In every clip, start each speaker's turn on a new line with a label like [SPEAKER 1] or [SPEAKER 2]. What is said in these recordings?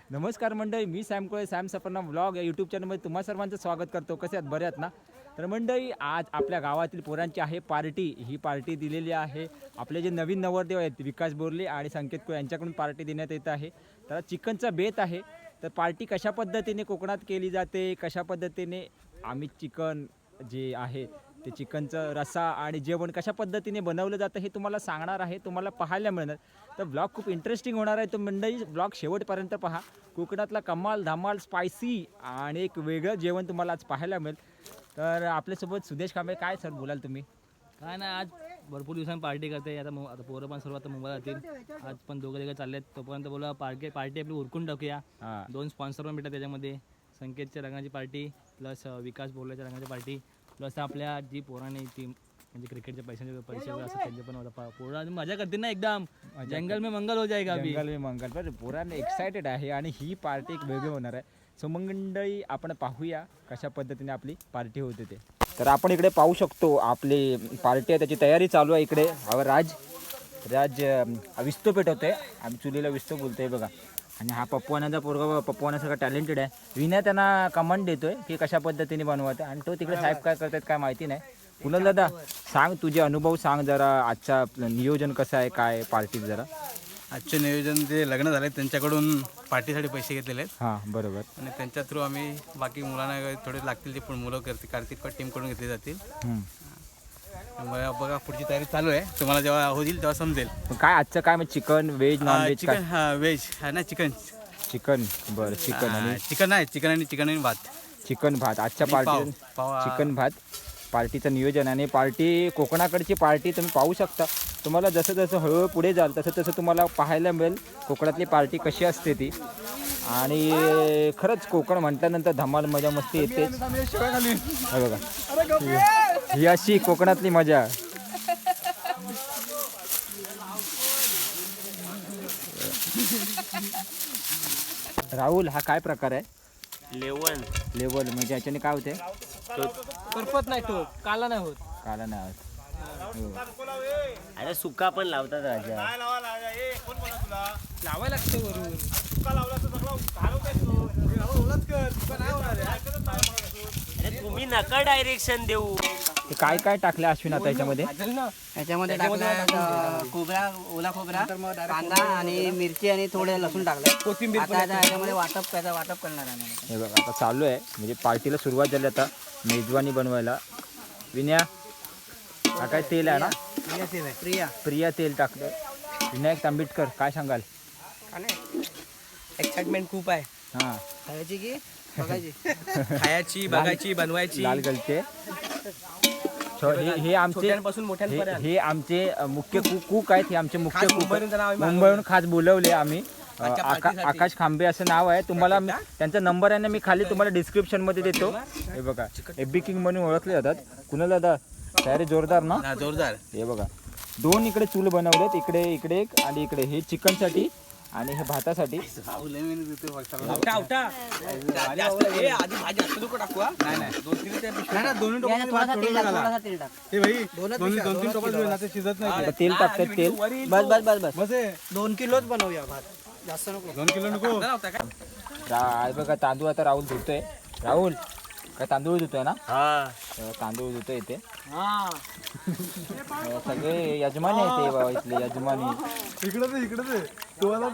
[SPEAKER 1] नमस्कार मंडळी, मी Sam Kole, Sam Safarna vlog या यूट्यूब चॅनलमध्ये तुम्हा सर्वांचं स्वागत करतो. कसे आहात, बरे आहात ना? तर मंडळी, आज आपल्या गावातील पोरांची आहे पार्टी. ही पार्टी दिलेली आहे आपले जे नवीन नवरदेव आहेत विकास बोरले आणि संकेत कोळे यांच्याकडून पार्टी देण्यात येत आहे. तर चिकनचा बेत आहे. तर पार्टी कशा पद्धतीने कोकणात केली जाते, कशा पद्धतीने आम्ही चिकन जे आहे ते चिकनचं रस्सा आणि जेवण कशा पद्धतीने बनवलं जातं हे तुम्हाला सांगणार आहे, तुम्हाला पाहायला मिळणार. तर ब्लॉग खूप इंटरेस्टिंग होणार आहे. तर मंडळी, ब्लॉग शेवटपर्यंत पहा. कोकणातला कमाल धमाल स्पायसी आणि एक वेगळं जेवण तुम्हाला आज पाहायला मिळेल. तर आपल्यासोबत सुदेश कांबळे, काय सर बोलाल तुम्ही?
[SPEAKER 2] काय नाही, आज भरपूर दिवसांनी पार्टी करते. आता पोरं पण सर्व आता मुंबईला जातील. आज पण दोघं चाललेत. तोपर्यंत बोला पार्टी आपली उरकून टाकूया.
[SPEAKER 1] हां,
[SPEAKER 2] 2 स्पॉन्सर पण भेटतात त्याच्यामध्ये. संकेतच्या रंगाची पार्टी प्लस विकास बोरल्याच्या रंगाची पार्टी प्लस आपल्या जी पोरांनी ती म्हणजे क्रिकेटच्या पैसे वगैरे असतात त्यांचे पण पोरं आणि मजा करतील ना एकदम. जंगल में मंगल हो जाएगा अभी.
[SPEAKER 1] जंगल में मंगल. पण पोरांना एक्सायटेड आहे आणि ही पार्टी एक वेगळी होणार आहे. सो मंडळी, आपण पाहूया कशा पद्धतीने आपली पार्टी होते ते. तर आपण इकडे पाहू शकतो आपली पार्टी आहे, त्याची तयारी चालू आहे. इकडे राज विस्तो पेटवतोय. आम्ही चुलीला विस्तो बोलतोय बघा. आणि हा पप्पवानाचा पोरगा पप्पवानासारखा टॅलेंटेड आहे. विनय त्यांना कमांड देतोय की कशा पद्धतीने बनवायचं. आणि तो तिकडे साहेब काय करतात काय माहिती नाही. कुणाल दादा, सांग तुझे अनुभव, सांग जरा आजचा नियोजन कसं आहे, काय पार्टीत जरा.
[SPEAKER 3] आजचे नियोजन जे लग्न झाले त्यांच्याकडून पार्टीसाठी पैसे घेतलेले आहेत
[SPEAKER 1] हां, बरोबर.
[SPEAKER 3] आणि त्यांच्या थ्रू आम्ही बाकी मुलांना थोडे लागतील ते पण मुलं कार्तिक टीमकडून घेतले जातील. त्यामुळे बघा पुढची तयारी चालू आहे. तुम्हाला जेव्हा होईल तेव्हा समजेल.
[SPEAKER 1] पण काय आजचं काय मग chicken veg non veg?
[SPEAKER 3] Chicken veg नाही चिकन
[SPEAKER 1] चिकन, बरं. चिकन आणि
[SPEAKER 3] चिकन आणि भात.
[SPEAKER 1] चिकन भात आजच्या पार्टी. चिकन भात पार्टीचं नियोजन. आणि पार्टी कोकणाकडची पार्टी तुम्ही पाहू शकता. तुम्हाला जसं जसं हळूहळू पुढे जाल तसं तसं तुम्हाला पाहायला मिळेल कोकणातली पार्टी कशी असते ती. आणि खरंच कोकण म्हटल्यानंतर धमाल मजा मस्ती येतेच. हे बघा, ही अशी कोकणातली मजा. राहुल, हा काय प्रकार आहे? लेवल म्हणजे याच्याने काय होते?
[SPEAKER 2] करपत नाही तो, काला नाही होत.
[SPEAKER 1] काला नाही होत.
[SPEAKER 4] अरे सुका पण लावतात राजा.
[SPEAKER 2] लावायला लागते वरून.
[SPEAKER 4] अरे तुम्ही नका डायरेक्शन देऊ.
[SPEAKER 1] ते काय काय टाकलं अश्विन आता याच्यामध्ये?
[SPEAKER 5] याच्यामध्ये टाकलं खोबरा, ओला खोबरा, कांदा आणि मिरची आणि थोडे लसूण टाकलं. कोथिंबीर याच्यामध्ये वाटप करणार आहे.
[SPEAKER 1] हे बघा, आता चालू आहे म्हणजे पार्टीला सुरुवात झाली. आता मेजवानी बनवायला. विनया, हा काय तेल आहे ना? प्रिया तेल टाकलं. विनायक तांबिटकर, काय सांगाल?
[SPEAKER 2] एक्साइटमेंट खूप आहे.
[SPEAKER 1] हां,
[SPEAKER 5] खायची की बघायची?
[SPEAKER 2] खायची, बघायची, बनवायची.
[SPEAKER 1] लाल गलचे. हे आमचे हे आमचे मुख्य कुक आहेत. हे आमचे मुख्य कुक मुंबईहून खास बोलवले आम्ही. आकाश खांबे असं नाव आहे. तुम्हाला त्यांचा नंबर आहे ना, मी खाली तुम्हाला डिस्क्रिप्शनमध्ये देतो. हे बघा, एबी किंग म्हणून ओळखले जातात. कुणाल दादा, तयारी जोरदार ना?
[SPEAKER 3] जोरदार.
[SPEAKER 1] हे बघा, 2 इकडे चूल बनवलेत. इकडे एक आणि इकडे. हे चिकनसाठी आणि हे भातासाठी. तेल टाकतात. तेल
[SPEAKER 5] बस 2 किलोच बनवूया भात, जास्त नको.
[SPEAKER 3] 2 किलो नको.
[SPEAKER 1] बघा, तांदूळ आता राहुल धुतोय. राहुल, काय तांदूळ धुतोय ना? तांदूळ धुतोय इथे. सगळे यजमानी आहेत ते बाबा, इथले यजमानी.
[SPEAKER 3] इकडे तुम्हाला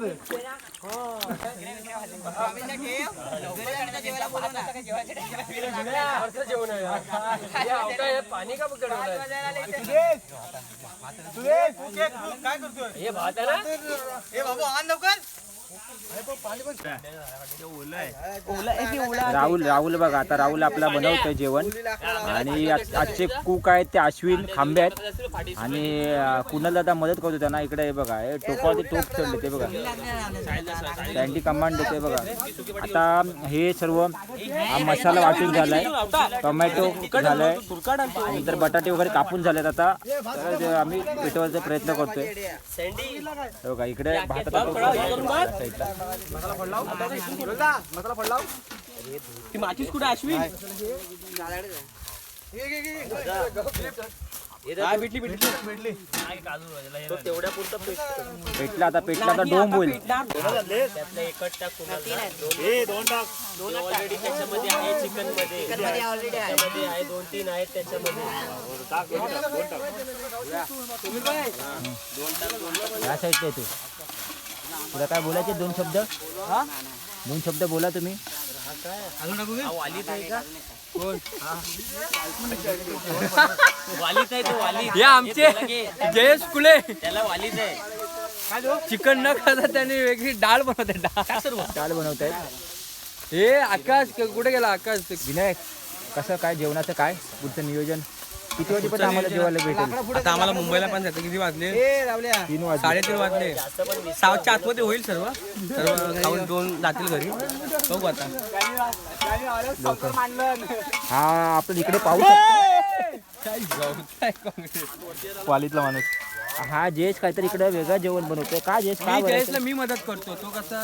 [SPEAKER 1] राहुल बघा, आता राहुल आपला बनवतोय जेवण. आणि आजचे कुक आहेत ते अश्विन खांबे आहेत. आणि कुणाल दादा मदत करतो त्यांना. इकडे हे बघा, हे टोपावरती टोप चढले ते बघा. त्यांची कमांड देते बघा. आता हे सर्व मसाला वाटून झालाय. टोमॅटो झालाय. नंतर बटाटे वगैरे कापून झालेत. आता तर आम्ही पेटवायचा प्रयत्न करतोय. बघा, इकडे भाताचा
[SPEAKER 2] ती माचीस कुठे अश्विन?
[SPEAKER 4] तो तेवढ्या पुरतं
[SPEAKER 1] पेटला आता डोंब होईल.
[SPEAKER 4] त्यातलं एकच टाक कुणाला. दोन ऑलरेडी त्याच्यामध्ये आहे चिकन मध्ये. त्याच्यामध्ये आहे 2-3 आहेत त्याच्यामध्ये.
[SPEAKER 1] या साईडला आहे तू. तुला काय बोलायचे 2 शब्द? 2 शब्द बोला तुम्ही.
[SPEAKER 4] वालीत आहे का? वालीत आहे तो वालीत.
[SPEAKER 2] हे आमचे जयेश कुले
[SPEAKER 4] त्याला वालीत आहे.
[SPEAKER 2] चिकन न खाता त्याने वेगळी डाळ बनवते.
[SPEAKER 1] डाळ बनवत आहेत.
[SPEAKER 2] हे आकाश कुठे गेला आकाश?
[SPEAKER 1] विनायक, कसं काय जेवणाचं काय पुढचं नियोजन? किती वाजेपर्यंत आम्हाला जेवायला भेटेल?
[SPEAKER 2] आता आम्हाला मुंबईला पण जाते. किती वाजले?
[SPEAKER 1] 3 वाजता.
[SPEAKER 2] 3:30 वाजले. 7च्या आतमध्ये होईल सर्व खाऊन 2 जातील घरी. बघू आता.
[SPEAKER 1] हा आपण इकडे पाहू शकतो. वालीतला माणूस हा जयेश काहीतरी इकडे वेगळं जेवण बनवतोय. का जयेश? काय
[SPEAKER 2] जयेशला मी मदत करतो. तो कसा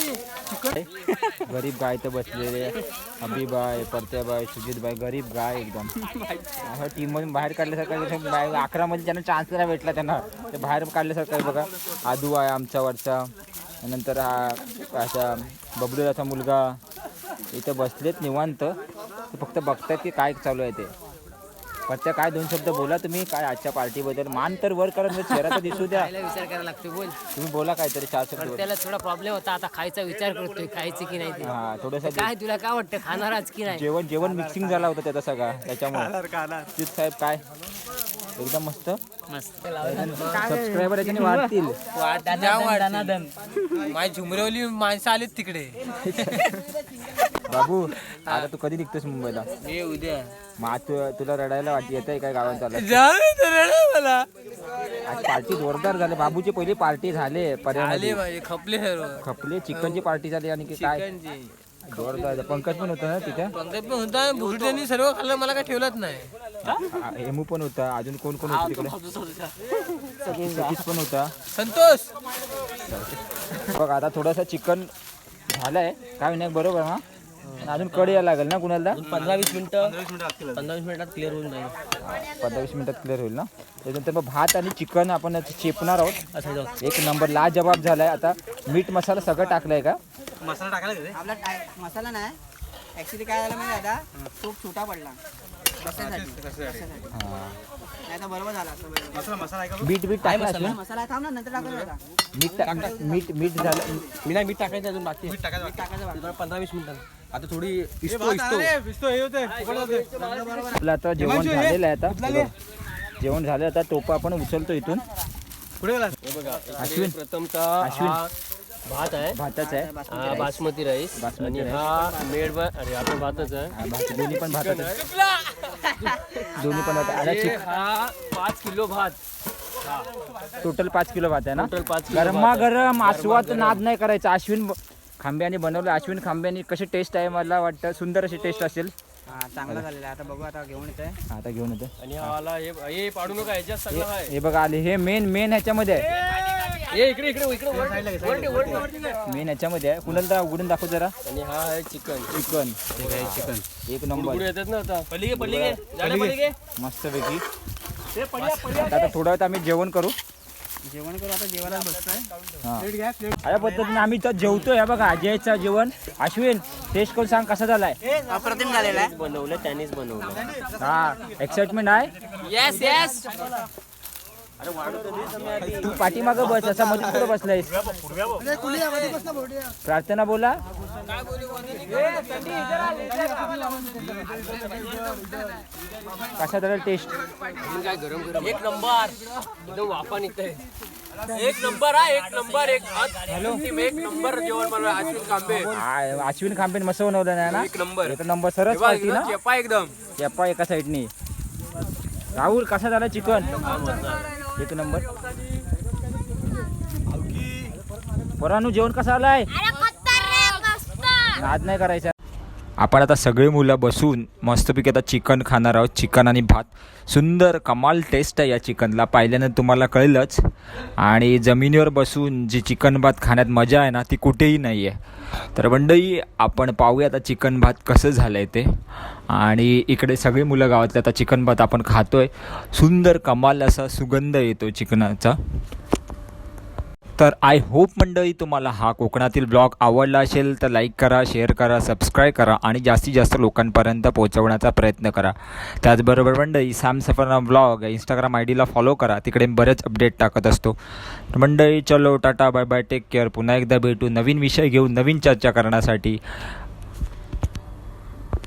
[SPEAKER 1] गरीब गाय तर बसलेले. अभिबाई, परत्याबाई, सुजितबाई, गरीब गाय एकदम. टीम मधून बाहेर काढल्यासारखं. 11 मध्ये ज्यांना चान्स नाही भेटला त्यांना ते बाहेर काढल्यासारखं आहे बघा. आदू आहे आमचा वरचा. नंतर हा असा बबलूचा मुलगा इथं बसलेत निवांत. ते फक्त बघतात की काय चालू आहे ते. परत्या काय 2 शब्द बोला तुम्ही. काय आजच्या पार्टीबद्दल? मान तर वर करत चेहरा तर दिसू द्या.
[SPEAKER 6] विचार करायला लागतो. बोल.
[SPEAKER 1] तुम्ही बोला काहीतरी 4 शब्द.
[SPEAKER 6] त्याला थोडा प्रॉब्लेम होता. आता खायचा विचार करतोय. खायचं की नाही ते.
[SPEAKER 1] हा थोडंसं
[SPEAKER 6] काय तुला काय वाटतं खाणारच की नाही?
[SPEAKER 1] जेवण मिक्सिंग झाला होता त्याचा सगळा त्याच्यामुळे. तीच साहेब काय एकदम मस्त. सबस्क्रायबर याच्याने वाढतील.
[SPEAKER 2] माझी झुमरवली माणसं आलीत तिकडे.
[SPEAKER 1] बाबू आता तू कधी निघतोस मुंबईला?
[SPEAKER 2] हे उद्या
[SPEAKER 1] मग आज तुला रडायला येत आहे काय गावात चालत?
[SPEAKER 2] मला
[SPEAKER 1] आज पार्टी जोरदार झाली. बाबूची पहिली पार्टी झाले पर्यावरण
[SPEAKER 2] खपले सर्व.
[SPEAKER 1] खपले. चिकनची पार्टी झाली आणि की काय जोरदार. पंकज पण होता ना तिथे.
[SPEAKER 2] पंकज पण होता. भुरट्यांनी सर्व खाल्लं. मला काय ठेवलंच नाही.
[SPEAKER 1] हेमू पण होता. अजून कोण कोण होतं तिकडे? सतीश पण होता.
[SPEAKER 2] संतोष
[SPEAKER 1] बघ आता थोडंसं चिकन झालंय काय नाही बरोबर ना? अजून कडी यायला लागेल ना कुणाला?
[SPEAKER 2] 15-20 मिनिटं 15-20 मिनिटात क्लिअर होऊन जाईल.
[SPEAKER 1] 15-20 मिनिटात क्लिअर होईल ना. त्याच्यानंतर मग भात आणि चिकन आपण चेपणार आहोत.
[SPEAKER 2] असं जाऊ.
[SPEAKER 1] एक नंबर लाजवाब झालाय. आता मीठ मसाला सगळं टाकलंय का?
[SPEAKER 3] मसाला टाकायला
[SPEAKER 5] आपला मसाला नाही ऍक्च्युली काय झालं माहिती आता खूप छोटा पडला बसायसाठी नाही तर बरोबर झाला असं.
[SPEAKER 1] बीट टाकलं असेल.
[SPEAKER 5] मसाला थांब ना नंतर टाकून होता.
[SPEAKER 1] मीठ झालं.
[SPEAKER 2] मी नाही मीठ टाकायचं अजून बाकी.
[SPEAKER 5] टाकायचं
[SPEAKER 2] 15-20 मिनिटांनी. आता थोडी इस्तो
[SPEAKER 1] आपलं आता जेवण झालेलं आहे. आता जेवण झालं. आता टोपा आपण उचलतो इथून. अश्विन
[SPEAKER 4] प्रथमतः भात आहे.
[SPEAKER 1] भाताच आहे.
[SPEAKER 4] हा बासमती राईस. आणि हा मेड अरे आपण भातच आहे.
[SPEAKER 1] दोन्ही पण भातात दोन्ही पण भात.
[SPEAKER 4] हा 5 किलो भात.
[SPEAKER 1] टोटल 5 किलो भात आहे ना.
[SPEAKER 4] टोटल 5 किलो
[SPEAKER 1] गरमागरम आस्वाद नाद नाही करायचा. अश्विन खांब्याने बनवलं. अश्विन खांब्याने कशी टेस्ट आहे मला वाटतं सुंदर अशी टेस्ट असेल.
[SPEAKER 5] हा चांगला झालेला आहे. आता बघू आता घेऊन येतोय.
[SPEAKER 1] आता घेऊन येतो.
[SPEAKER 4] आणि हा हे पाडू नका ह्याच्यात सगळं आहे.
[SPEAKER 1] हे बघा आले. हे मेन ह्याच्यामध्ये आहे.
[SPEAKER 4] इकडे
[SPEAKER 1] मेन ह्याच्यामध्ये आहे. कुणाला उघडून दाखव जरा.
[SPEAKER 4] आणि हा आहे चिकन.
[SPEAKER 1] चिकन एक नंबर
[SPEAKER 4] येतात ना आता. पलीगे
[SPEAKER 1] मस्त पैकी. आता थोडा वेळ आम्ही जेवण करू.
[SPEAKER 5] जेवण करू आता. जेवायला बसतोय.
[SPEAKER 1] अशा पद्धतीने आम्ही इथं जेवतोय. बघा अजयचं जेवण. अश्विन टेस्ट करून सांग कसा झालाय?
[SPEAKER 5] अप्रतिम झालेला आहे.
[SPEAKER 4] बनवलं त्यानेच बनवलं.
[SPEAKER 1] हा एक्साइटमेंट आहे.
[SPEAKER 6] येस
[SPEAKER 1] तू पाठीमागं बस. असा मध्ये कुठं बसलायस? प्रार्थना बोला. कसा झाला टेस्ट?
[SPEAKER 4] काय गरम एक नंबर एकदम वाफा निघतंय. एक नंबर हा एक नंबर. एक नंबर जेवण बनवलं अश्विन खांबे.
[SPEAKER 1] अश्विन खांबेन मस्त बनवलं नाही ना.
[SPEAKER 4] एक नंबर.
[SPEAKER 1] एक नंबर सरस पार्टी ना.
[SPEAKER 4] चेपा एकदम.
[SPEAKER 1] चेपा एका साईडनी. राहुल कसा झाला चिकन? एक नंबर. पोरांनो जेवण कसं आलाय? नाद नाही करायचा. आपण आता सगळी मुलं बसून मस्तपैकी आता चिकन खाणार आहोत. चिकन आणि भात. सुंदर कमाल टेस्ट आहे या चिकनला, पाहिल्यानं तुम्हाला कळलंच. आणि जमिनीवर बसून जी चिकन भात खाण्यात मजा आहे ना ती कुठेही नाही आहे. तर मंडळी आपण पाहूया आता चिकन भात कसं झालं आहे ते. आणि इकडे सगळी मुलं गावातले आता चिकन भात आपण खातोय. सुंदर कमाल असा सुगंध येतो चिकनाचा. तर आय होप मंडळी तुम्हाला हा कोकणातील ब्लॉग आवडला असेल तर लाईक करा, शेअर करा, सबस्क्राईब करा आणि जास्तीत जास्त लोकांपर्यंत पोहोचवण्याचा प्रयत्न करा. त्याचबरोबर मंडळी सॅम सफरना ब्लॉग इंस्टाग्राम आयडीला फॉलो करा, तिकडे बरेच अपडेट टाकत असतो. तर मंडळी चलो tata bye bye, take care. पुन्हा एकदा भेटू नवीन विषय घेऊन नवीन चर्चा करण्यासाठी.